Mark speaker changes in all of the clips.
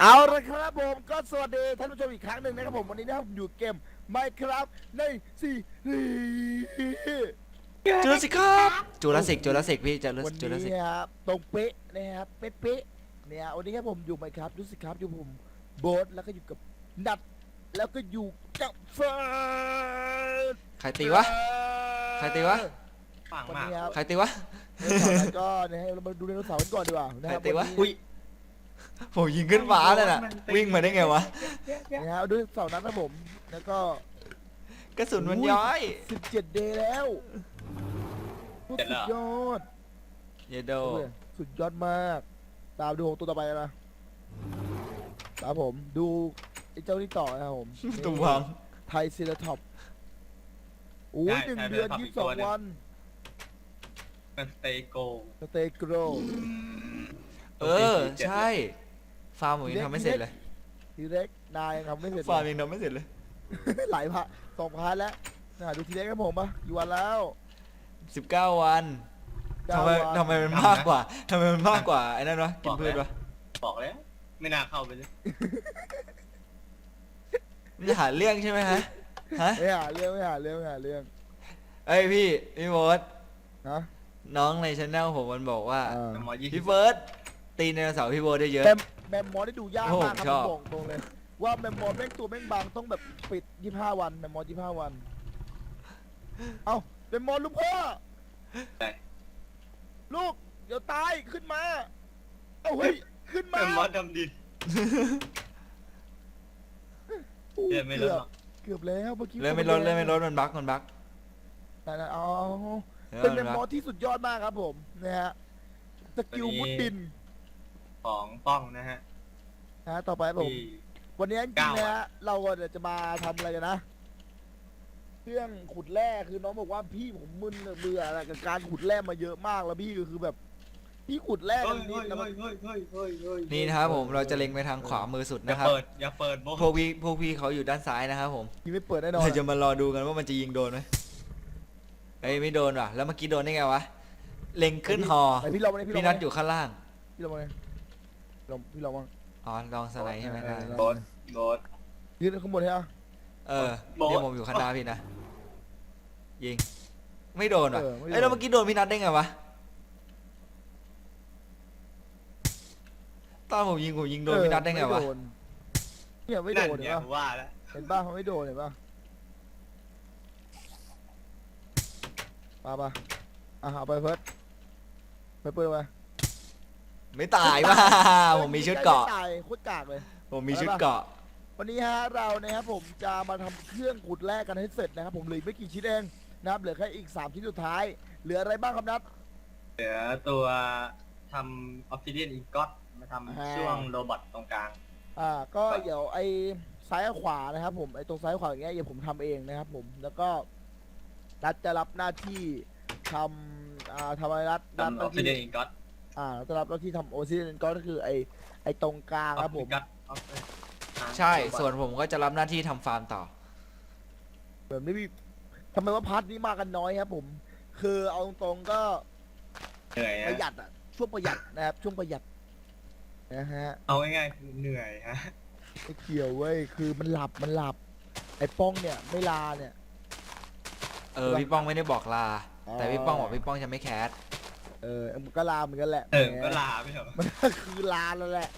Speaker 1: เอาละครับผมก็สวัสดีท่านผู้ชมอีกครั้งหนึ่งนะครับผมวันนี้นะครับอยู่เกม Minecraft ในซีรีส์
Speaker 2: จูราสสิกครับจูราสสิกพี่จูรา
Speaker 1: วัน
Speaker 2: จูราสสิ
Speaker 1: นี้
Speaker 2: ก
Speaker 1: ครับตรงเป๊ะนะครับเป๊ะๆเนี่ยวันนี้ครับผมอยู่ Minecraft รู้สึกครับอยู่ผมโบ๊ทแล้วก็อยู่กับนัดแล้วก็อยู่กับเฟิร์ส
Speaker 2: ใครตีวะ ใครตีวะ
Speaker 3: ปัง
Speaker 1: วัน
Speaker 3: มาก
Speaker 1: นี้ครับ
Speaker 2: ใครตีวะ
Speaker 1: แล้วก็นะฮะเรามาดูไดโนเสาร์กันก่อนดีกว่านะ
Speaker 2: ใค
Speaker 1: ค
Speaker 2: ร
Speaker 1: รับ
Speaker 2: ตีวะ
Speaker 1: นนี้
Speaker 2: อุ้ยผมยิงขึ้นฟ้าเลยน่ะวิ่งมาได้ไงวะ
Speaker 1: นะฮะดูเสาร์นั้นนะผมแล้วก็
Speaker 2: กระสุนมันย้อย
Speaker 1: 17 เดย์แล้วสุดยอด
Speaker 2: เยโด
Speaker 1: สุดยอดมาก ตามดูของตัวต่อไปนะตามผมดูไอ้เจ้านี่ต่อนะครับผม
Speaker 2: ตุ้มพัง
Speaker 1: ไทยซีราท็อปโอ้ย1 เดือน 22 วัน
Speaker 3: มันสเตโก
Speaker 1: สเตย์โกร
Speaker 2: เออใช่ฟาร์มผมยังทำไม่เสร็จเลย
Speaker 1: ทีเล็กนายยังทำไม่เสร็จ
Speaker 2: ฟาร์มยังทำไม่เสร็จเลย
Speaker 1: หลายพะ2 พาร์ทแล้วดูทีเล็กครับผมปะกี่วันแล้ว
Speaker 2: 19 วันทำไม
Speaker 1: 9 วัน
Speaker 2: ทำไมมันมากกว่าทำไมมันมากกว่าไอ้นั่นวะกินพืชวะ
Speaker 3: บอกแล้วไม่น่าเข้าไปเลย
Speaker 2: มันจะหาเรื่องใช่ไหมฮะฮะ
Speaker 1: ไม่หาเรื่องไม่หาเรื่องไม่หาเรื่อง
Speaker 2: เอ้ยพี่โบ๊ท
Speaker 1: นะ
Speaker 2: น้องในช anel ผมมันบอกว่า
Speaker 3: แต่หมอยี่สิ
Speaker 2: พี่
Speaker 3: บ
Speaker 2: เฟิร์สตีไดโนเสาร์พี่โบ๊ทได้เยอะ
Speaker 1: แมมมอสได้ดูยาก
Speaker 2: โอ้โห
Speaker 1: มากค
Speaker 2: ช
Speaker 1: รั
Speaker 2: อ
Speaker 1: บบ ผมบอกตรงเลย ว่าแมมมอสแม่งตัวแม่งบางต้องแบบปิด25 วันแมมมอส25 วัน เอ้าแมมมอสลูกพ่อ
Speaker 3: ใช่
Speaker 1: ลูกเดี๋ยวตายขึ้นมา เอ้าเฮ้ยขึ้นมา
Speaker 3: เป็นมอสดำดิน
Speaker 1: อู้
Speaker 3: เลือดไม่ลดหรอก
Speaker 1: เกือบแล้วเมื่อกี้
Speaker 2: เลื่อนไม่ลดมันบั๊กมันบั๊ก
Speaker 1: นั่นๆอ๋อ
Speaker 2: เออ
Speaker 1: เป็นแม
Speaker 2: มัน
Speaker 1: ม
Speaker 2: บั๊
Speaker 1: มอก สที่สุดยอดมากครับผมนะฮะสกิลมุดดิน
Speaker 3: ของป้องนะฮะ
Speaker 1: นะต่อไปครับผม
Speaker 3: ที่
Speaker 1: วันนี้จริงๆนะฮะเราจะมาทำอะไรกันนะเครื่องขุดแร่คือน้องบอกว่าพี่ผมมึนเบื่ออะไรกับการขุดแร่มาเยอะมากแล้วพี่ก็คือแบบ พี่ขุดแร่
Speaker 3: เฮ้
Speaker 1: กั
Speaker 3: ย
Speaker 1: นนิ
Speaker 3: เฮ้
Speaker 1: ด
Speaker 3: ย
Speaker 1: แล้วมัน
Speaker 3: เฮ้ยเฮ้ยเฮ้ยเฮ้ย
Speaker 2: นี่นะครับผมเราจะเล็งไปทางขวามือสุด
Speaker 3: อย่า
Speaker 2: นะครับ
Speaker 3: เปิดอย่าเปิดโบ
Speaker 2: พวกพี่เขาอยู่ด้านซ้ายนะครับผม
Speaker 1: พี่ไม่เปิดแน่นอน
Speaker 2: เราจะมารอดูกันว่ามันจะยิงโดนไหมเอ้ยไม่โดนว่ะแล้วเมื่อกี้โดนได้ไงวะเล็งขึ้นฮอ
Speaker 1: ไอพี่ลองมาเลย
Speaker 2: พี่นัทอยู่ข้างล่าง
Speaker 1: พี่ลองมาเลยพี่ลองมา
Speaker 2: อ๋อลองสไลด์ใช่ไหมได้
Speaker 3: โบสโบส
Speaker 1: ยืนข้างบนใช่ไหม
Speaker 2: เออ
Speaker 3: โบ๊ท
Speaker 2: เดี๋ยวผมอยู่ข้างหน้าพี่นะยิงไม่โดนว่ะ
Speaker 1: ไม่โดน
Speaker 2: เอ้ยแล้วเมื่อกี้โดนพี่นัทได้ไงวะตอนผมยิงโดนพี่นัทได้ไงวะ
Speaker 1: เนี่ยไม่โด
Speaker 3: นั่น
Speaker 1: น
Speaker 3: ไง
Speaker 1: เห็นป่ะ
Speaker 3: ว่าแล้ว
Speaker 1: เห็นป่ะเขาไม่โดนเห็นป่ะป่ะเอาไปเฟิร์สไปเปิดไป
Speaker 2: ไม่ตายว่ะผมมีชุดเกราะ
Speaker 1: ตายโคตรกากเลย
Speaker 2: ผมมีชุดเกราะ
Speaker 1: วันนี้ฮะเรานะครับผมจะมาทำเครื่องขุดแร่กันให้เสร็จนะครับผมเหลือไม่กี่ชิ้นเองนะครับเหลือแค่อีก3ชิ้นสุดท้ายเหลืออะไรบ้างครับนัท
Speaker 3: เหลือตัวทำออฟซิเดียนอีกอตมาทำช่วงโรบอทตรงกลาง
Speaker 1: ก็เดี๋ยวไอ้ซ้ายกับขวานะครับผมไอ้ตรงซ้ายกับขวาอย่างเงี้ยเดี๋ยวผมทำเองนะครับผมแล้วก็นัดจะรับหน้าที่ทำทำอะไรนัด
Speaker 3: ทำอ
Speaker 1: ห
Speaker 3: อ
Speaker 1: น้า
Speaker 3: ฟซิเดียน
Speaker 1: ที่
Speaker 3: อีกอต
Speaker 1: จะรับหน้าที่ทำโอซิเดนก็คือไอ้ตรงกลางครับผม
Speaker 2: ใช่ส่วนผมก็จะรับหน้าที่ทำฟาร์มต่อ
Speaker 1: แบบนี้มีทำไมว่าพาร์ทนี้มากันน้อยครับผม คือเอาตรงๆก็
Speaker 3: เหนื่อย
Speaker 1: ประหยั
Speaker 3: ฮะ
Speaker 1: ดอะช่วงประหยัดนะครับช่วงประหยัดนะฮะ
Speaker 3: เอาง่ายๆคือเหนื่อยฮะ
Speaker 1: ไม่เกี่ยวเว้ยคือมันหลับไอ้ป้องเนี่ยไม่ลาเนี่ย
Speaker 2: พี่ป้องไม่ได้บอกลา
Speaker 1: อ๋อ
Speaker 2: แต่พี่ป้องบอกพี่ป้องจะไม่แคส
Speaker 1: มันก็ลาเหมือนกันแหละ
Speaker 3: ก็ลาไม่เหรอ
Speaker 1: มันก็คือลาแล้วแหละ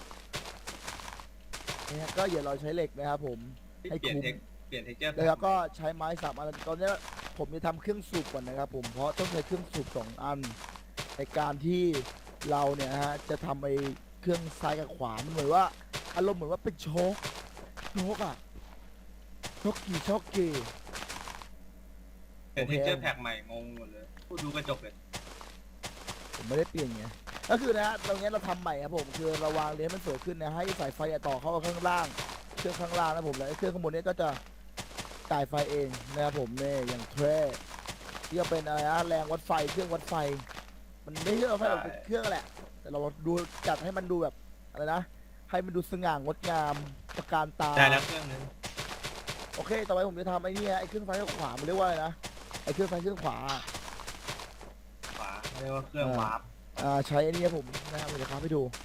Speaker 1: เนี่ยก็อย่าเราใช้เหล็กนะครับผม ให้
Speaker 3: เปลี่ยน
Speaker 1: คุ้ม
Speaker 3: เปลี่ยนเทคเจอร์
Speaker 1: แล้วก็ใช้ไม้3 อันตอนนี้ผมจะทำเครื่องสูบก่อนนะครับผมเพราะต้องใช้เครื่องสูบ2 อัน ในการที่เราเนี่ยฮะจะทำไอ้เครื่องซ้ายกับขวามันเหมือนว่าอารมณ์เหมือนว่าเป็นโชคอะโชคกี่
Speaker 3: เปลี่ยนเทคเจอร์แพ็กใหม่งงหมดเลยพูดดูกระจกเลย
Speaker 1: ผมไม่ได้เปลี่ยนไงก็คือนะฮะตรงนี้เราทำใหม่ครับผมคือเราวางเลนมันสวยขึ้นนะให้สายไฟต่อเข้าข้างล่างเครื่องข้างล่างนะผมแล้วเครื่องข้างบนนี้ก็จะจ่ายไฟเองนะครับผมเนี่ยอย่างแทร่ที่จะเป็นอะไรนะแรงวัดไฟเครื่องวัดไฟ มันไม่ใช่วัดไฟหรอกเป็นเครื่องแหละ แต่เราดูจัดให้มันดูแบบอะไรนะให้มันดูสง่างดงามตระการตา
Speaker 3: ได้แล้วเครื่องนึง
Speaker 1: โอเคต่อไปผมจะทำไอ้นี่ไอ้เครื่องไฟข้างขวามันเรียกว่าอะไรนะไอ้เครื่องไฟเครื่องขวา
Speaker 3: ขวาเรียกว่าเครื่องวาร์ป
Speaker 1: ใช้ไอ้นี่ครับผมนะครับเดี๋ยวครับให้ดู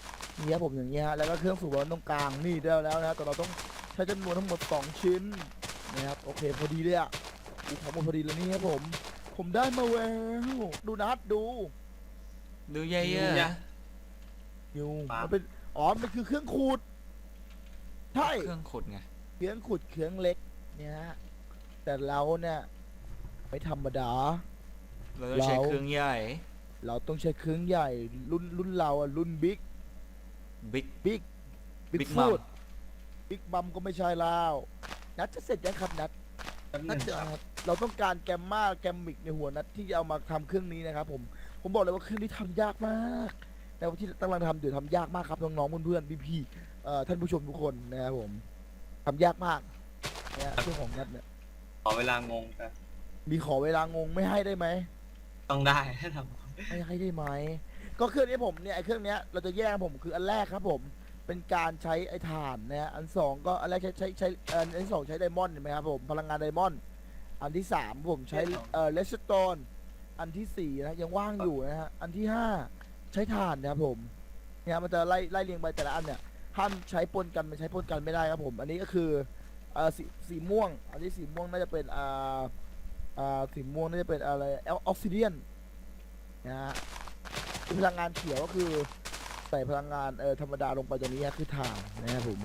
Speaker 1: นี่ครับผมอย่างเงี้ยฮะแล้วก็เครื่องสูบน้ำตรงกลางนี่ได้แล้วนะแต่เราต้องใช้จำนวนทั้งหมด2ชิ้นนะครับโอเคพอดีเลยอ่ะดูของหมดพอดีแล้วนี่ครับผมได้มาแล้วดูนัดดู
Speaker 2: ดูเยอะๆนะ
Speaker 1: อยู่
Speaker 3: ปั๊บ
Speaker 1: มันเป็นอ๋อมันคือเครื่องขูดใช่
Speaker 2: เครื่องขุดไง
Speaker 1: เครื่องขุดเครื่องเล็กเนี่ยฮะแต่เราเนี่ยไม่ธรรมดา
Speaker 2: เราต้องใช้เครื่องใหญ่
Speaker 1: เราต้องใช้เครื่องใหญ่รุ่นเราอะรุ่นบิ๊ก
Speaker 2: บิ๊ก
Speaker 1: บิ๊ก
Speaker 2: Big
Speaker 1: ฟู
Speaker 2: Mom
Speaker 1: ดบิ๊กบัมก็ไม่ใช่แล้วนัดจะเสร็จยังครับนัด
Speaker 3: แป๊บห
Speaker 1: นั
Speaker 3: นึ
Speaker 1: ด
Speaker 3: ง
Speaker 1: จะ
Speaker 3: ครับ
Speaker 1: เราต้องการแกมมาแกมมิกในหัวนัดที่จะเอามาทำเครื่องนี้นะครับผมบอกเลยว่าเครื่องนี้ทำยากมากแต่ว่าที่กำลังทำอยู่ทำยากมากครับน้องๆเพื่อนๆพี่ๆท่านผู้ชมทุกคนนะครับผมทำยากมากเนี่ยเครื่องของนัดเนี่ย
Speaker 3: ขอเวลางงครับ
Speaker 1: มีขอเวลางงไม่ให้ได้ไหม
Speaker 3: ต้องได้ท
Speaker 1: ไม่ให้ได้ไหมก็เครื่องนี้ผมเนี่ยไอ้เครื่องเนี้ยเราจะแยกผมคืออันแรกครับผมเป็นการใช้ไอ้ถ่านนะฮะอันสองก็อันแรกใช้อันที่สองใช้ไดมอนด์เห็นไหมครับผมพลังงานไดมอนด์อันที่สามผมใช้เลสโตนอันที่สี่นะยังว่างอยู่นะฮะอันที่ห้าใช้ถ่านนะครับผมเนี่ยมันจะไล่เรียงไปแต่ละอันเนี่ยห้ามใช้ปนกันมันใช้ปนกันไม่ได้ครับผมอันนี้ก็คือสีม่วงอันที่สีม่วงน่าจะเป็นสีม่วงน่าจะเป็นอะไรออกซิเดียนนะฮะพลังงานเขียวก็คือใส่พลังงานธรรมดาลงไปตรงนี้ฮะคือถ่านนะครับผม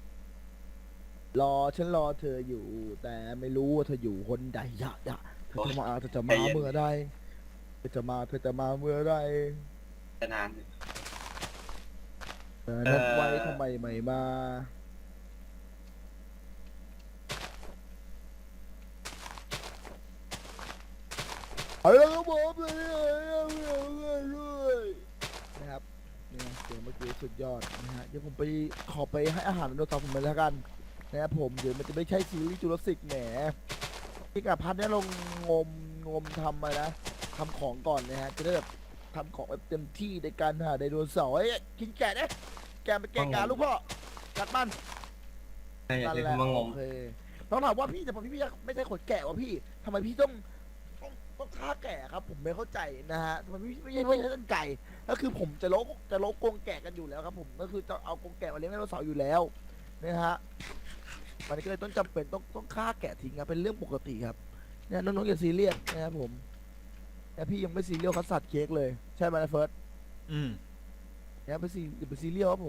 Speaker 1: ฉันรอเธออยู่ แต่ไม่รู้ว่าเธออยู่คนใดอย่าเธอจะมาเมื่อใดเธอจะมาเมื่อใด
Speaker 3: ำจะนานอยู่
Speaker 1: นัดไว้ทำไมไม่มาเอาละครับผมนะครับเนี่ยเสียงเมื่อกี้สุดยอดนะฮะเดี๋ยวผมไปขอไปให้อาหารไดโนเสาร์ผมเลยแล้วกันนะครับผมเดี๋ยวมันจะไม่ใช่ซีรีส์จูราสสิกแหมพี่กับพันเนี่ยลงงมทำอะไรนะทำของก่อนนะฮะจะได้แบบทำของแบบเต็มที่ในการหาไดโนเสาร์กินแกะนะแกะไปแกะกาลูกพ่อกัดมัน
Speaker 3: อย่า
Speaker 1: นั่น
Speaker 3: เรียก
Speaker 1: แหละ
Speaker 3: ว่างง
Speaker 1: โอเคต้องถามว่าพี่แต่พี่ไม่ใช่ขนแกะวะพี่ทำไมพี่ต้องฆ่าแกะครับ ผมไม่เข้าใจนะฮะทำไมพี่ไม่ใช่ต้นไก่ก็คือผมจะโลกกรงแกะกันอยู่แล้วครับผมก็คือจะเอากรงแกะมาเลี้ยงไดโนเสาร์อยู่แล้วนะฮะมันก็เลยต้องจำเป็นต้องฆ่าแกะทิ้งครับเป็นเรื่องปกติครับเนี่ยน้องๆอย่าซีเรียสนะครับผมแต่พี่ยังไม่ซีเรียสคัสสัตว์เค้กเลยใช่ไหมนะเฟิร์ส
Speaker 2: อืม
Speaker 1: อย่าไปซีเรียสครับผม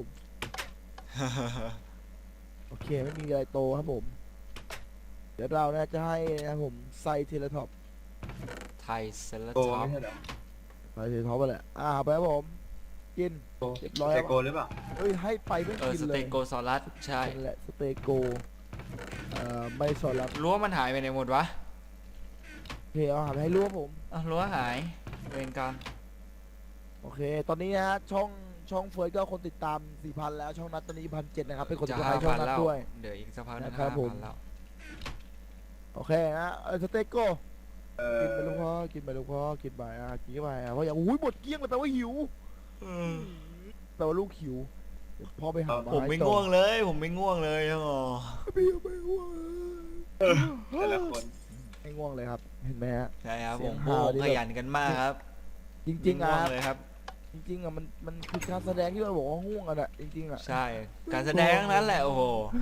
Speaker 1: โอเคไม่มีอะไรโตครับผม เดี๋ยวเรานะจะให้นะครับผมไซเทเลท็อป
Speaker 2: ไทยเซเล
Speaker 3: โก
Speaker 2: ท็อป
Speaker 3: ไม่ใช่เหรอ
Speaker 1: ไซเทเลท็อปไปแหละไปครับผม กิน
Speaker 3: โก
Speaker 1: เรียบร้อย
Speaker 3: ส
Speaker 1: แล้
Speaker 3: เต
Speaker 1: ว
Speaker 3: โกหรือเปล่า
Speaker 1: เฮ้ยให้ไปไม่กิน
Speaker 2: ส
Speaker 1: เล
Speaker 2: เต
Speaker 1: ย
Speaker 2: โกซอรัสใช่
Speaker 1: นั่นแหละสเตโกไม่สอนรับ
Speaker 2: รั้วมันหายไปไหนหมดวะ
Speaker 1: โอเคเอาหาไปให้รู้ครับผม
Speaker 2: อ้าวรั้วหายเวรกรรม
Speaker 1: โอเค ตอนนี้นะฮะช่องเฟิร์สก็คนติดตาม 4,000 แล้วช่องนัดตอนนี้1,700นะครับเป็นคนติ
Speaker 2: จะ
Speaker 1: ดตามช่อง
Speaker 2: 5,000
Speaker 1: นัด
Speaker 2: แล้ว
Speaker 1: ด้วย
Speaker 2: เดี๋ยวอีกสักพักหนึง
Speaker 1: นะครับผม
Speaker 2: 5,000แล้ว
Speaker 1: โอเคนะสเตโก
Speaker 3: เอ
Speaker 1: กินไป
Speaker 3: อ
Speaker 1: ลูกพ่อกินไปลูกพ่อกินไปกินไปเพราะอย่างอุ้ยหมดเกลี้ยงเลยแปลว่าหิวแปลว่าลูกหิวเดี๋ยวพ่อไปหา
Speaker 2: ผมไม่
Speaker 1: ต่อ
Speaker 2: ง่วงเลยผมไม่ง่วงเลยอ๋อ
Speaker 1: พี่ไม่ง่วง
Speaker 3: แต่ละคน
Speaker 1: ไม่ง่วงเลยครับ เห็นไหมฮะ
Speaker 2: ใช่ครับ
Speaker 1: เสี
Speaker 2: ผ
Speaker 1: ยง
Speaker 2: ม
Speaker 1: ฮาวนี่
Speaker 2: ข
Speaker 1: แบบ
Speaker 2: ยันกันมากครับ
Speaker 1: จริงๆ
Speaker 2: ไม่
Speaker 1: อ่ะ
Speaker 2: ง่วงเลยครับ
Speaker 1: จริงๆอ่ะมันคือการแสดงที่เราบอกว่าง่วงอ่ะนะจริงๆอ่ะ
Speaker 2: ใช่การแสดงทั้งนั้นแหละโอ้โห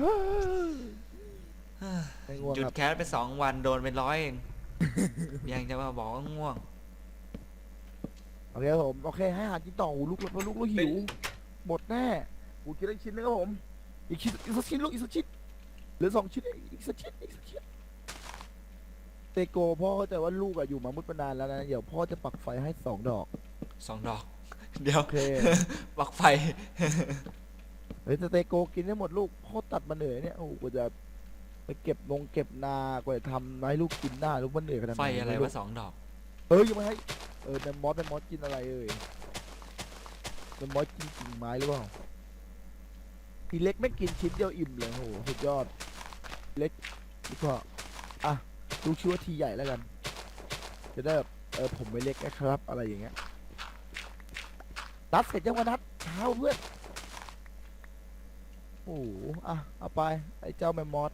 Speaker 1: ไม่ง่วง
Speaker 2: หยุด
Speaker 1: ครับ
Speaker 2: แคสไป2 วันโดนไป100เอง ยังจะมาบอกว่าง่วง
Speaker 1: โอเคครับผมโอเคให้อาหารกินต่อหูลูกหิวหมดแน่กูกินได้ชิ้นนึงครับผมอีกสักชิ้นลูกอีกสักชิ้นเหลือ2 ชิ้นอีกสักชิ้นเตโกพ่อเข้าใจว่าลูกอะอยู่มามุดมานานแล้วนะเดี๋ยวพ่อจะปักไฟให้2 ดอก
Speaker 2: 2 ดอก เดี๋ยว
Speaker 1: โอเค
Speaker 2: ปลักไฟ
Speaker 1: เฮ้ยแต่เตโกกินได้หมดลูกพ่อตัดมาเหนื่อยเนี่ยโอ้โหกว่าจะไปเก็บนากว่าจะทำให้ลูกกินได้ลูกมันเหนื่อยขนาดไหน
Speaker 2: ไฟอะไร
Speaker 1: ม่
Speaker 2: วะ2 ดอก
Speaker 1: เอ้ยยังไม่ให้แมมมอสกินอะไรแมมมอสกินกิ่งไม้หรือเปล่าทีเล็กไม่กินชิ้นเดียวอิ่มเลยโอ้โหสุดยอดเล็กดีกว่าลูกชื่อว่าทีใหญ่แล้วกันจะได้แบบผมไม่เล็กนะครับอะไรอย่างเงี้ยนัดเสร็จยังวะนัดเช้าเพื่อนโอ้โหเอาไปไอ้เจ้าแมมมอส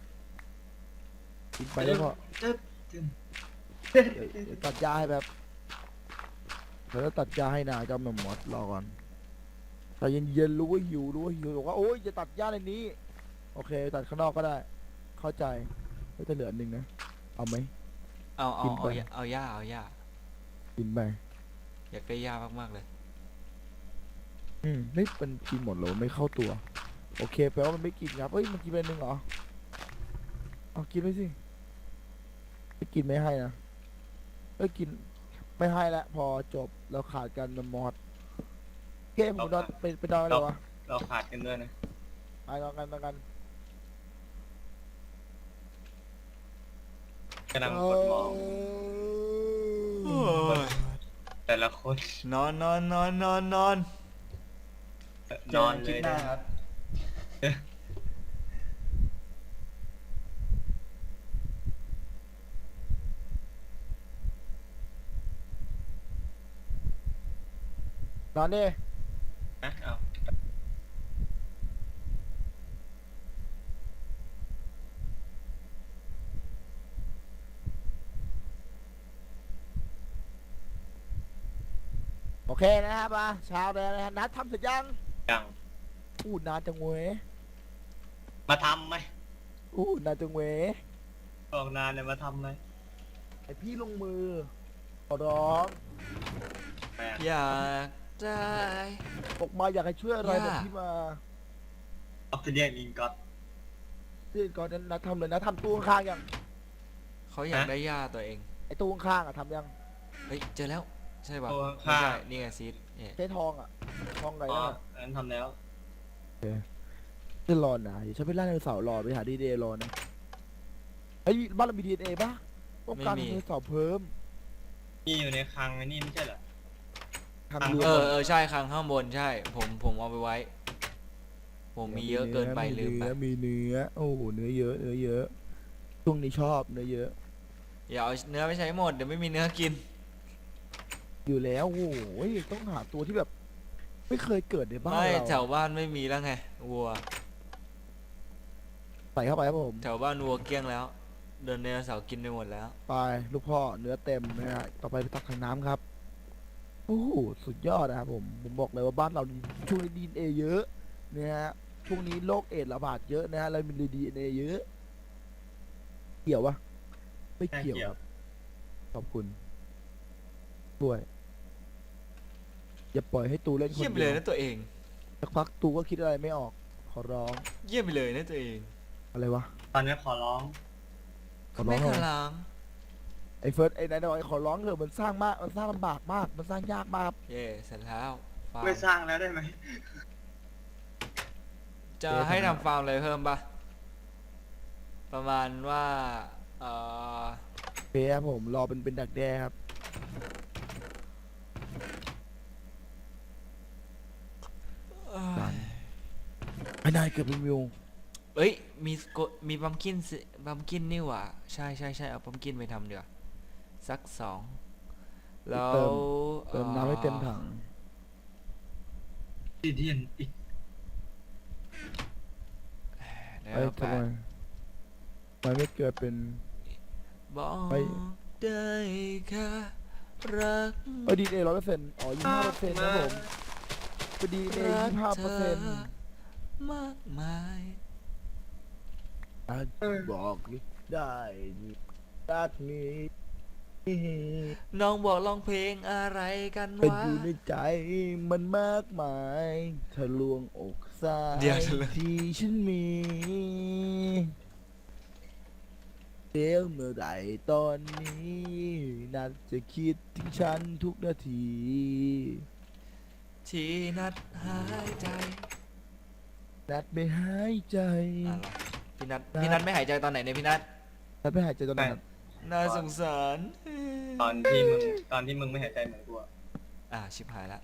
Speaker 1: กินไปแล้วก็
Speaker 3: เจ๊ะ
Speaker 1: เดี๋ยวตัดยาให้แบบเดี๋ยวตัดยาให้นาเจ้าแมมมอสรอก่อนแต่เย็นๆรู้ว่าหิวบอกว่าโอ๊ยจะตัดหญ้าในนี้โอเคตัดข้างนอกก็ได้เข้าใจก็จะเหลืออันหนึ่งนะเอาไหม
Speaker 2: เอา
Speaker 1: กินไป
Speaker 2: เอาหญ้า
Speaker 1: กินไป
Speaker 2: อยากได้หญ้ามากๆเลย
Speaker 1: ไม่เป็นกินหมดเลยไม่เข้าตัวโอเคแปลว่ามันไม่กินครับเฮ้ยมันกินไปหนึ่งเหรอเอากินไปสิไม่กินไม่ให้นะเอ้ยกินไม่ให้แล้วพอจบเราขาดกันมอดโอเคผมนอนไปนอนเลยวะ
Speaker 3: เราขาดกันด้วยนะ
Speaker 1: ไปนอนกัน
Speaker 3: กำลังกดมอง แต่ละคน
Speaker 2: นอน
Speaker 3: นอนเลยนะ
Speaker 1: นอนดิ
Speaker 3: นะเอา
Speaker 1: โอเคนะครับมาเช้าแล้วนะฮะนัดทำเสร็จยัง
Speaker 3: ยัง
Speaker 1: อู้นานจังเว้ย
Speaker 3: มาทำไหม
Speaker 1: อู้นานจังเว้ย
Speaker 3: ออกนานเลยมาทำไหม
Speaker 1: ไอพี่ลงมือขอร้อง
Speaker 3: แม่ง
Speaker 2: อยากได้
Speaker 1: ออกมาอยากให้ช่วยอะไร
Speaker 2: ย่า
Speaker 1: บอกพี่มา
Speaker 3: ออฟฟิเดียนอิงก็อต
Speaker 1: ที่ก่อนนั้นนัดทำเลยนะทำตู้ข้างๆยัง
Speaker 2: เขาอยากได้หญ้าตัวเอง
Speaker 1: ไอตู้ข้างๆอะทำยัง
Speaker 2: เฮ้ยเจอแล้วใช่ป่ะ
Speaker 3: ตัว
Speaker 2: ไม่
Speaker 3: ข้า
Speaker 2: ใช่นี่ไงซีดเนี่ย
Speaker 1: ใช้ทองอะทองไง
Speaker 3: อ๋อ
Speaker 1: นั่นอะ
Speaker 3: อันนั้นทำแล้ว
Speaker 1: จะรอนะอย่าใช้ไปล่าไดโนเสาร์รอไปหาดีเดย์รอนะไอ้ยบ้านเรามีดีเอป่ะต้องการไดโนเสาร์เพิ่ม
Speaker 3: นี่อยู่ในคลังไอ้นี่ไม่ใช่เหรอ
Speaker 1: ทำเรือ
Speaker 2: ใช่ข้างบนใช่ ผมเอาไปไว้ ผมมีเยอะเกินไปลืมไป
Speaker 1: มีเนื้อโอ้โหเนื้อเยอะช่วงนี้ชอบเนื้อเยอะ
Speaker 2: อย่าเอาเนื้อไปใช้หมดเดี๋ยวไม่มีเนื้อกิน
Speaker 1: อยู่แล้วโอ้โหต้องหาตัวที่แบบ ไม่เคยเกิดในบ้าน
Speaker 2: ไม่แถ
Speaker 1: เรา
Speaker 2: วบ้านไม่มีแล้วไงวัว
Speaker 1: ใส่เข้าไปครับผม
Speaker 2: แถวบ้านวัวเกลี้ยงแล้วเดินไดโนเสาร์กินไปหมดแล้ว
Speaker 1: ไปลูกพ่อเนื้อเต็มนะฮะต่อไปตักถังน้ำครับโอ้โหสุดยอดนะครับผมบอกเลยว่าบ้านเราช่วงนี้ดีเอเยอะนะฮะช่วงนี้โรคเอดส์ระบาดเยอะนะฮะเรามีดีเอเยอะเกี่ยววะไม่เกี่ยวครับขอบคุณด้วยอย่าปล่อยให้ตูเล่นคน
Speaker 2: เยี่ยมไป
Speaker 1: เดี
Speaker 2: เลย
Speaker 1: ยว
Speaker 2: นะตัวเอง
Speaker 1: สักพักตูก็คิดอะไรไม่ออก ขอร้อง
Speaker 2: เยี่ยมไปเลยนะตัวเอง
Speaker 1: อะไรวะ
Speaker 3: ตอนนี้ขอร้อง
Speaker 1: ขอร้
Speaker 2: ไม่
Speaker 1: อง
Speaker 2: ข
Speaker 1: เหรอ
Speaker 2: ลัง
Speaker 1: ไอ้เฟิร์สไอ้นายน้อยขอร้องเถอะมันสร้างมากมันสร้างลำบากมากมันสร้างยากมากครับ
Speaker 2: เย่เสร็จแล้วฟาร์
Speaker 3: ไม่
Speaker 2: ม
Speaker 3: สร้างแล้วได้ไหม
Speaker 2: จะให้ทำฟาร์มอะไรเพิ่มปะประมาณว่าเอ่อ
Speaker 1: เพียครับผมรอเป็นดักแด้ครับไอ้นายเกือบเป็นวิว
Speaker 2: เอ้ยมีบัมกินนี่หว่าใช่เอาบัมกินไปทำเดี๋ยวาสักสองแล้ว
Speaker 1: เติมน้ำให้เต็มถัง
Speaker 3: ดีเดียนอีก
Speaker 2: แล้ว
Speaker 1: ไอ้
Speaker 2: แป
Speaker 1: ทำไม
Speaker 2: ด
Speaker 1: มันไม่เกิดเป็น
Speaker 2: บอก
Speaker 1: ไป
Speaker 2: ได้แค่รัก
Speaker 1: ดีเอ100%อ๋อ25%นะผมเป็นดีเอ
Speaker 2: รักเธอ
Speaker 1: 25%
Speaker 2: มากมาย
Speaker 1: บอกได้รักนี้
Speaker 2: น้องบอกร้องเพลงอะไรกัน
Speaker 1: เป็น
Speaker 2: วะ
Speaker 1: อยู่ในใจมันมากมายทะลวงอกซ้า
Speaker 2: เดี๋ยวย ทะลวง
Speaker 1: ที่ฉันมีเดี๋ยวเมื่อไหร่ตอนนี้นัดจะคิดถึงฉันทุกนาที
Speaker 2: ที่นัดหายใจ
Speaker 1: นัดไม่หายใจ
Speaker 2: อะไรพี่นัทไม่หายใจตอนไหนเนี่ยพี่นัท
Speaker 1: นัดไม่หายใจตอนนั้น
Speaker 2: น่าสงสาร
Speaker 3: ตอนที่มึงไม่หายใจเหมือนกูอะ
Speaker 2: ชิบหายละ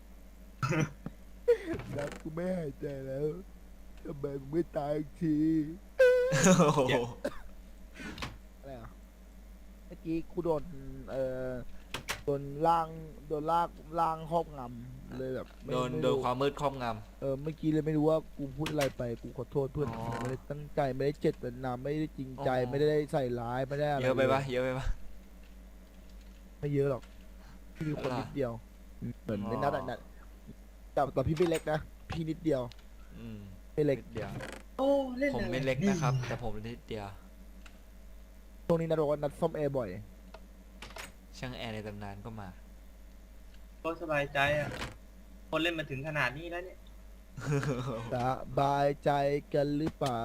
Speaker 1: นัดกูไม่หายใจแล้วทำไมมึงไม่ตายอีกที
Speaker 2: โอ้โห
Speaker 1: อะไรอ่ะเมื่อกี้กูโดนโดนล่างครอบงำเลยแบบไม่
Speaker 2: โดน
Speaker 1: ไม่
Speaker 2: โดน
Speaker 1: รู้
Speaker 2: ความมืดครอบง
Speaker 1: เมื่อกี้เลยไม่รู้ว่ากูพูดอะไรไปกูขอโทษเพื่อน
Speaker 2: อ๋อ
Speaker 1: ไม่ได้ตั้งใจไม่ได้เจตนาไม่ได้จริงใจ
Speaker 2: อ๋อ
Speaker 1: ไม่ได้ใส่ร้ายไม่ได้อะไร
Speaker 2: เยอะไปปะเยอะไปปะ
Speaker 1: ไม่เยอะหรอกมีคน
Speaker 2: เหรอ
Speaker 1: นิดเดียวเหมือน
Speaker 2: อ๋อ
Speaker 1: ในนัดอะนัดจแต่พี่ไม่เล็กนะพี่นิดเดียว
Speaker 2: อืม
Speaker 1: ไม่เล็ก
Speaker 2: นิดเดียว
Speaker 3: โอ้เล่น
Speaker 2: ผมไม่เล็กนะครับ แต่ผมนิดเดียว
Speaker 1: ตรงนี้นัดบอกว่านัดซ่อมแอร์บ่อย
Speaker 2: ช่างแอร์ในตำนานก็มา
Speaker 3: ก็สบายใจอ่ะคนเล่นมาถึงขนาดนี้แล้วเนี่ย
Speaker 1: สบายใจกันหรือเปล่า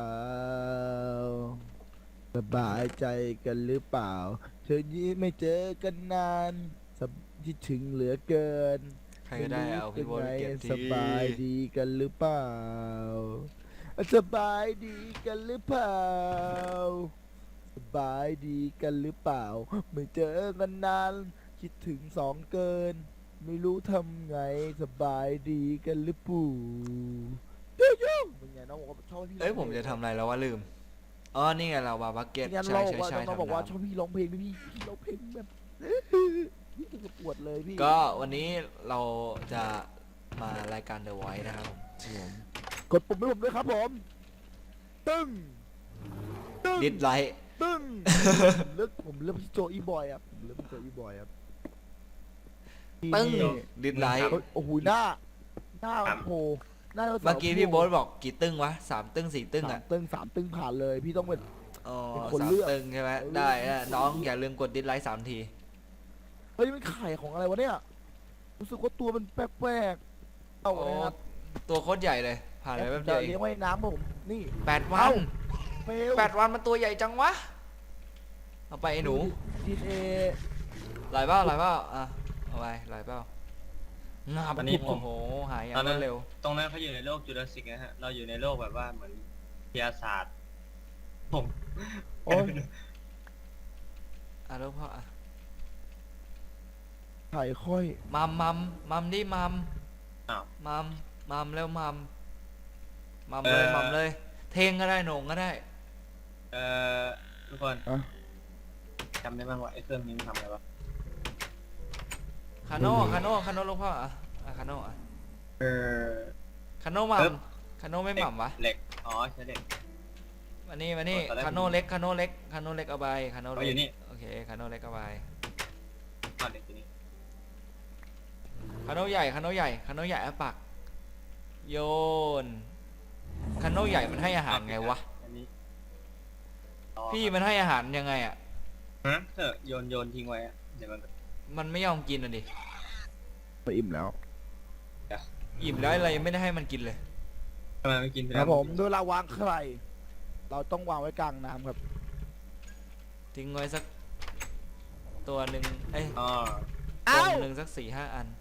Speaker 1: สบายใจกันหรือเปล่าเธอนี้ไม่เจอกันนานคิดถึงเหลือเกิน
Speaker 2: ใครก็ได้เอาพี่โบ๊ทไปเก็บที
Speaker 1: สบายดีกันหรือเปล่าสบายดีกันหรือเปล่าสบายดีกันหรือเปล่า ไม่เจอกันนานคิดถึงสองเกิน ไม่รู้ทำไงสบายดีกันหรือปู่ยุ่งเป็นไงน้องบอกว่าชอบพี่
Speaker 2: เอ้ยผมจะทำอะไรแล้วว่าลืม อ๋อ นี่ไงเราบาบักเก็ต
Speaker 1: งั้น
Speaker 2: ใช่
Speaker 1: เรา
Speaker 2: ใช่ใช่
Speaker 1: น้อง
Speaker 2: ทำ
Speaker 1: บอกว่าช
Speaker 2: น้ำ
Speaker 1: อบพี่ร้องเพลงพี่ร้องเพลงแบบ พี่จะปวดเลยพี่
Speaker 2: ก็วันนี้เราจะมารายการ The Voice นะครับผม
Speaker 1: กดปุ่มให้ผมด้วยครับผมตึ้งตึ้ง
Speaker 2: ดิสไลท์
Speaker 1: ตึ้งผมเลือกพี่โจอีบอยครับผมเลือกพี่โจอีบอยครับ
Speaker 2: ตึ้ง
Speaker 1: นี่
Speaker 2: ดิสไลท์
Speaker 1: โอ้โหหน้าโอ้โหหน้ารา
Speaker 2: เมื่อกี้พี่โบ๊ทบอกกี่ตึ้งวะ3 ตึ้ง 4 ตึ้ง
Speaker 1: สา
Speaker 2: อ่ะ
Speaker 1: มตึ้ง3 ตึ้งผ่านเลยพี่ต้องเป็น
Speaker 2: อ๋อ
Speaker 1: เป็นคน
Speaker 2: สาม
Speaker 1: เลือก
Speaker 2: ตึ้งใช่ไหมได้นะน้องอย่าลืมกดดิสไลท์3 ที
Speaker 1: เฮ้ยมันไข่ของอะไรวะเนี่ยรู้สึกว่าตัวมันแปลกๆเอา
Speaker 2: โอ้
Speaker 1: เลยครับ
Speaker 2: ตัวโคตรใหญ่เลย ผ่านไปแป๊บเดี
Speaker 1: จะ
Speaker 2: ยวเอ
Speaker 1: เลี้ย
Speaker 2: ง
Speaker 1: งไว้ในน้ำผมนี่
Speaker 2: 8 วัน
Speaker 1: เอ้า เฟล
Speaker 2: 8 วันมันตัวใหญ่จังวะ เอาไปไอ้หนู
Speaker 1: ดีเอ
Speaker 2: หลายเปล่าอ่ะ เอาไปหลายเปล่างับ
Speaker 3: วันนี้ผม
Speaker 2: โอ้โห หายอย่าง
Speaker 3: ตอนนั้น
Speaker 2: รวดเร็ว
Speaker 3: ตรงนั้นเขาอยู่ในโลกจูราสสิกนะฮะ เราอยู่ในโลกแบบว่าเหมือนวิทยาศาสตร์ ผม
Speaker 1: โอ้ย
Speaker 2: อ่ะลูกพ่ออ่ะ
Speaker 1: ไข่ค่อย
Speaker 2: มัมดิมัม
Speaker 3: อ้าว
Speaker 2: มัมแล้วมัมเลย
Speaker 3: เอ่อ
Speaker 2: มัมเลย เทงก็ได้โหน่งก็ได้
Speaker 3: เอ่อทุกคน
Speaker 1: อะ
Speaker 3: จำได้บ้างว่าไอ้เครื่องนี้มันทำอะไรวะ
Speaker 2: คาโน่ลูกพ่ออ่ะคาโน่อ่ะ
Speaker 3: เออ
Speaker 2: คาโน่มั
Speaker 3: เอิ
Speaker 2: ม
Speaker 3: บ
Speaker 2: คาโน่ไม่มัมวะ
Speaker 3: เหล็ก อ๋อใช่เหล็ก
Speaker 2: มานี่
Speaker 3: ตอนแรก
Speaker 2: คาโน่เล็กเอาไปคาโน่
Speaker 3: เอา
Speaker 2: เล็
Speaker 3: อยู่
Speaker 2: ก
Speaker 3: นี่
Speaker 2: โอเคคาโน่เล็กเอาไป
Speaker 3: อ๋อเหล็กตัวนี้
Speaker 2: คาโน่ใหญ่เอาปักโยนคาโน่ใหญ่มันให้อาหารไงวะ
Speaker 3: อันนี้ต่อ
Speaker 2: พี่มันให้อาหารยังไงอ่ะ
Speaker 3: ฮะเถอะโยนทิ้งไว้อะเดี๋ยวมัน
Speaker 2: มันไม่ยอมกินอ่ะดิ
Speaker 1: ไปอิ่มแล้ว
Speaker 2: อิ่มแล้วอะไรยังไม่ได้ให้มันกินเลย
Speaker 3: ทำไมไม่กินไป
Speaker 1: ค
Speaker 3: แล้
Speaker 1: รับ
Speaker 3: ว
Speaker 1: ผมด้วยเราวางไข่เราต้องวางไว้กลางน้ำครับ
Speaker 2: ทิ้งไว้สักตัวหนึ่งเอ้ย
Speaker 3: อ๋อ
Speaker 2: ตัวหนึ่งสัก4-5 อัน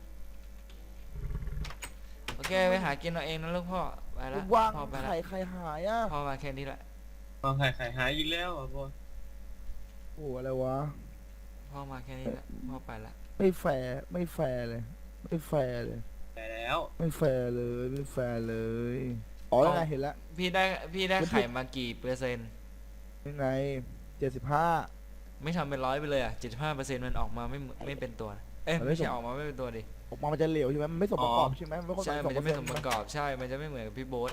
Speaker 2: โอเคไปหากินเอาเองนะลูกพ่อ ไปละ
Speaker 1: วาง
Speaker 2: พ่อไปละ
Speaker 1: ไข่หายอ่ะ
Speaker 2: พ่อมาแค่นี้แหละ
Speaker 3: พอไข่หายอีกแล้วอ่ะพ่อ
Speaker 1: โอ้อะไรวะ
Speaker 2: พ่อมาแค่นี้แหละพ่อไปละ
Speaker 1: ไม่แฟร์เลย ไม่แฟร์เลย
Speaker 3: แต่แล้ว
Speaker 1: ไม่แฟร์เลยไม่แฟร์เลยอ๋อยังไงเห็นแล้ว
Speaker 2: พี่ได้ไข่มากี่เปอร์เซ็นต์
Speaker 1: ยังไง75
Speaker 2: ไม่ทำเป็น100ไปเลยอ่ะ75%มันออกมาไม่เป็นตัว เอ้ย
Speaker 1: มันไม่
Speaker 2: ไม่ใช่
Speaker 1: สม
Speaker 2: ออกมาไม่เป็นตัวดิ
Speaker 1: ออกมามันจะเหลวใช่ไหมมันไม่สมประกอบใช่ไหมมันไม่ครบ
Speaker 2: ใช่ มันจะไม่สม
Speaker 1: 2%
Speaker 2: ประกอบ ใช่ มันจะไม่เหมือนกับพี่โบ๊ท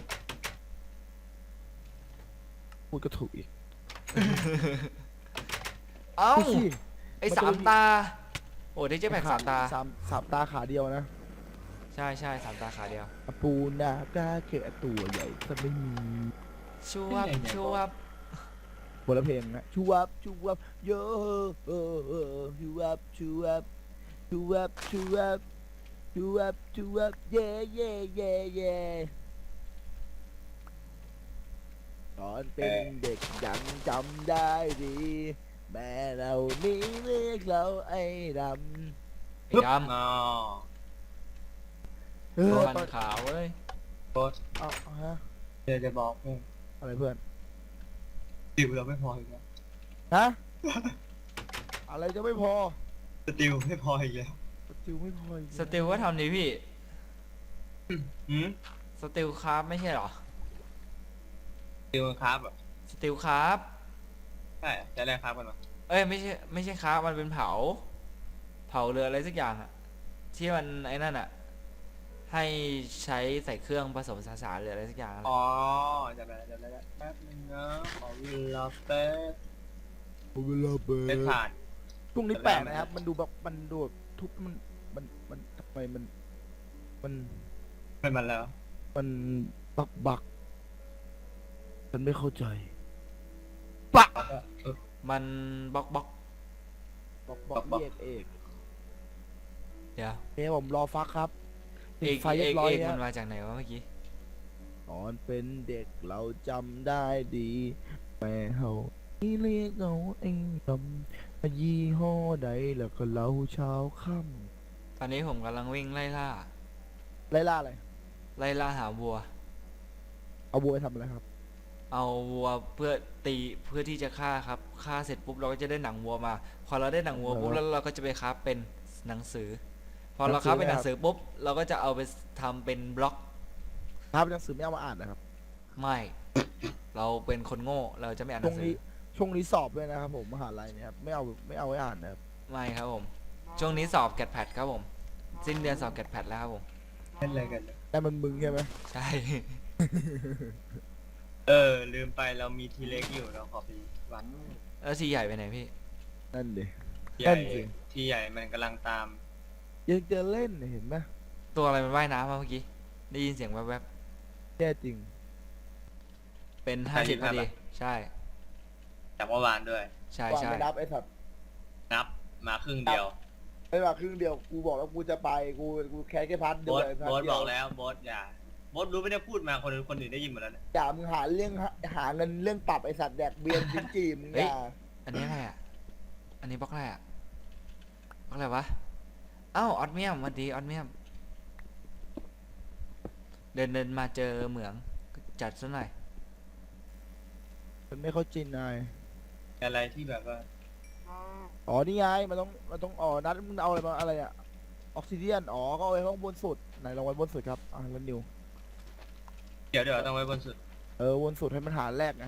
Speaker 1: พูดก็ถูกอีก
Speaker 2: เอ้า
Speaker 1: พูดสิ
Speaker 2: ไอ้
Speaker 1: มันจะ
Speaker 2: 3
Speaker 1: มี
Speaker 2: ตา โอ้ได้เจ๊แบก3 ตา
Speaker 1: สามตาขาเดียวนะ
Speaker 2: ใช่3 ตาขาเดียว
Speaker 1: ปูนากาเกะตัวใหญ่จะไม่มี
Speaker 2: ชูวับชูวับ
Speaker 1: คนละเพลงนะชูวับโยชูวับชูวับเย่ตอนเป็นเด็กยังจำได้ดี แม่เรานี้เรียกเราไอ้ด
Speaker 2: ไอ้ด
Speaker 3: อ๋อ
Speaker 1: ำ
Speaker 2: ำฟันขาวเลย
Speaker 3: โค้ช
Speaker 1: เอาฮะ
Speaker 3: เดี๋ยวจะบอกเพื่อน
Speaker 1: อะไรเพื่อน
Speaker 3: สติลเราไม่พออีกแล้ว
Speaker 1: ฮะ อะไรจะไม่พอ
Speaker 3: สติลไม่พออีกแล้ว
Speaker 1: สติลไม่พออีก
Speaker 2: สติลก็ทำดีพี่
Speaker 3: หืม
Speaker 2: สติลคราฟไม่ใช่เหรอ
Speaker 3: สติลครับอ่ะ
Speaker 2: สติลคราฟ
Speaker 3: ใช่จะแรกครับกันวะ
Speaker 2: เอ้ยไม่ใช่คราฟมันเป็นเผาเรืออะไรสักอย่างอะที่มันไอ้นั่นอะให้ใช้ใส่เครื่องผสมสารหรืออะไรสักอย่างอะ
Speaker 3: อ๋อจะไปแป๊บนึงนะขอเวลาแป๊บ
Speaker 1: เวลาเบิ
Speaker 3: ไม่
Speaker 1: ร์
Speaker 3: ผ่าน
Speaker 1: พรุ่งนี้แปลกนะครับ มันดูแบบมันดูแบบทุบมันทำไมมัน
Speaker 3: เป็นมันแล้ว
Speaker 1: มันบักฉันไม่เข้าใจ
Speaker 3: แล้วก็
Speaker 2: มันบล็อก
Speaker 1: บัก
Speaker 3: บัก
Speaker 1: เอก
Speaker 2: เดี๋ยว
Speaker 1: ผมรอฟักครับ
Speaker 2: เอก
Speaker 1: ไฟเรียบร้อย
Speaker 2: เอก
Speaker 1: แล้
Speaker 2: มั
Speaker 1: วน
Speaker 2: มาจากไหนวะเมื่อกี้
Speaker 1: ตอนเป็นเด็กเราจำได้ดีแม่เฮาที่เรียกเราเองจำยี่ห้อใดแล้วก็เราเช้าค่
Speaker 2: ตอนนี้ผมกำลังวิ่งไล่ล่า
Speaker 1: ำไล่ล่าอะไร
Speaker 2: ไล่ล่าหาวัว
Speaker 1: เอาบัวไปทำอะไรครับ
Speaker 2: เอาวัวเพื่อตีเพื่อที่จะฆ่าครับฆ่าเสร็จปุ๊บเราก็จะได้หนังวัวมา พอเราได้หนังวัวปุ๊บ
Speaker 1: แล้ว
Speaker 2: แล้วเราก็จะไปคราฟเป็นหนังสือ พอเราคราฟเป็นหนังสือปุ๊บเราก็จะเอาไปทำเป็นบล็อก
Speaker 1: ครับหนังสือไม่เอามาอ่านนะครับ
Speaker 2: ไม่ เราเป็นคนโง่เราจะไม่อ่านห
Speaker 1: ช่ว
Speaker 2: นั
Speaker 1: ง
Speaker 2: งสื
Speaker 1: นี้
Speaker 2: อ
Speaker 1: ช่วงนี้สอบด้วยนะครับผมมหาลัยเนี่ยครับไม่เอาไว้อ่านนะครับ
Speaker 2: ไม่ครับผม ช่วงนี้สอบแกดแพดครับผม สิ้นเดือนสอบแกดแพดแล้วครับผม
Speaker 3: เล่นอะไรกันเนี่ย
Speaker 1: แต่มันมึงใช่ไหม
Speaker 2: ใช่
Speaker 3: ลืมไปเรามีทีเล็กอยู่เราขอไปวัด
Speaker 2: แล้วทีใหญ่ไปไหนพี่
Speaker 1: นั่นดิ
Speaker 3: ใหญ่
Speaker 1: นั่นสิ
Speaker 3: ที่ใหญ่มันกำลังตาม
Speaker 1: ยังจะเล่นเห็นไหม
Speaker 2: ตัวอะไรมันว่ายน้ำมาเมื่อกี้ ได้ยินเสียงแวบ
Speaker 1: แย่จริง
Speaker 2: ๆ เป็น50พอดี ใช่
Speaker 3: จากเมื่อวานด้วย
Speaker 2: ใช่
Speaker 1: วาง
Speaker 2: ใช่
Speaker 1: ไม่นับไอ้สัตว์
Speaker 3: นับมาครึ่งเดียว
Speaker 1: ไม่ว่าครึ่งเดียวกูบอกแล้วกูจะไปกูแค่พาร์ทเดี
Speaker 3: โบ
Speaker 1: ยว
Speaker 3: ส
Speaker 1: เลยพาร์
Speaker 3: โบ
Speaker 1: ท
Speaker 3: ส
Speaker 1: เดี
Speaker 3: บ
Speaker 1: ย
Speaker 3: อ
Speaker 1: ว
Speaker 3: กแล้วโบสอย่าโบสรู้ไม่ได้พูดมาคนอื่นได้ยินหมดแล้วเนี่ย
Speaker 1: อย่ามึงหาเรื่องหาเงินเรื่องปรับไอ้สัตว์แดกเบียร์จิ้มจีมึงอย่า
Speaker 2: อันนี้อะไรอ่ะ อันนี้บล็อกอะไรอ่ะบล็อกอะไรวะ เอ้าออดเมียมสวัสดีออดเมียม เดินมาเจอเหมืองจัดซะหน่อย
Speaker 1: มันไม่เข้าใจนาย
Speaker 3: อะไรที่แบบว่า
Speaker 1: อ๋อนี่ไงมันต้องอ๋อนัดมึงเอาอะไรมาอะไรอะออกซิเดียนอ๋อก็เอาไว้ข้างบนสุดไหนลองไว้บนสุดครับแล้วนิว
Speaker 3: เดี๋ยวต้องไว้บนสุด
Speaker 1: บนสุดให้มันหาแรกไง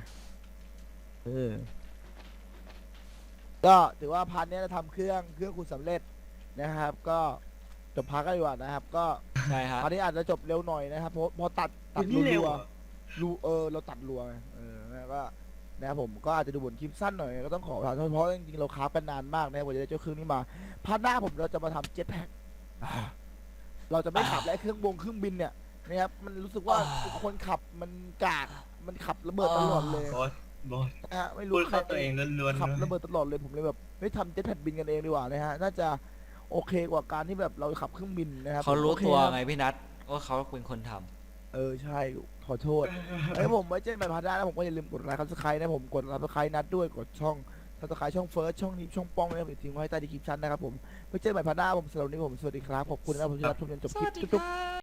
Speaker 1: ก็ถือว่าพาร์ทนี้เราทำเครื่องคุณสำเร็จนะครับ ก็จบพาร์ทกันดีกว่านะครับ ก็
Speaker 2: ใช่ครับ
Speaker 1: พาร์ทนี้อาจจะจบเร็วหน่อยนะครับเพราะพอตัด
Speaker 3: นี่เร็ว
Speaker 1: รัว
Speaker 3: อะ
Speaker 1: ๆรูเราตัดรัวไงแล้วก็นะครับผมก็อาจจะดูบนคลิปสั้นหน่อยก็ต้องขอประทานโทษเพราะจริงๆเราคราฟกันนานมากนะครับกว่าจะได้เจ้าเครื่องนี้มาพาร์ทหน้าผมเราจะมาทำเจ็ตแพ็คเราจะไม่ขับและเครื่องบินเนี่ยนะครับมันรู้สึกว่าคนขับมันกากมันขับระเบิดตลอดเลย
Speaker 3: โบส
Speaker 1: นะฮะไม่
Speaker 3: พู
Speaker 1: รู้
Speaker 3: ด
Speaker 1: ใคร
Speaker 3: เข้าตัวเองล้วนๆ
Speaker 1: ขับ
Speaker 3: ด้วย
Speaker 1: ระเบิดตลอดเลยผมเลยแบบไม่ทำเจ็ตแพ็คบินกันเองดีกว่านะฮะน่าจะโอเคกว่าการที่แบบเราขับเครื่องบินนะครับ
Speaker 2: เขารู้
Speaker 1: โอค
Speaker 2: ตัว
Speaker 1: ครับ
Speaker 2: ไงพี่นัทว่าเขาเป็นคนทำ
Speaker 1: ใช่ขอโทษแล้วผมไว้เจอกันใหม่พาร์ทหน้าแล้วผมก็อย่าลืมกดไลค์ซับสไครต์นะผมกดซับสไครต์นัดด้วยกดช่องซับสไครต์ช่องเฟิร์สช่องนี้ช่องป้องนะครับทิ้งไว้ใต้ดีคลิปชั้นนะครับผมไว้เจอกันใหม่พาร์ทหน้าผมสำหรับวันนี้ผมสวัสดีครับขอบคุณนะครับผมที่รับชมจนจบคลิปจุ๊บ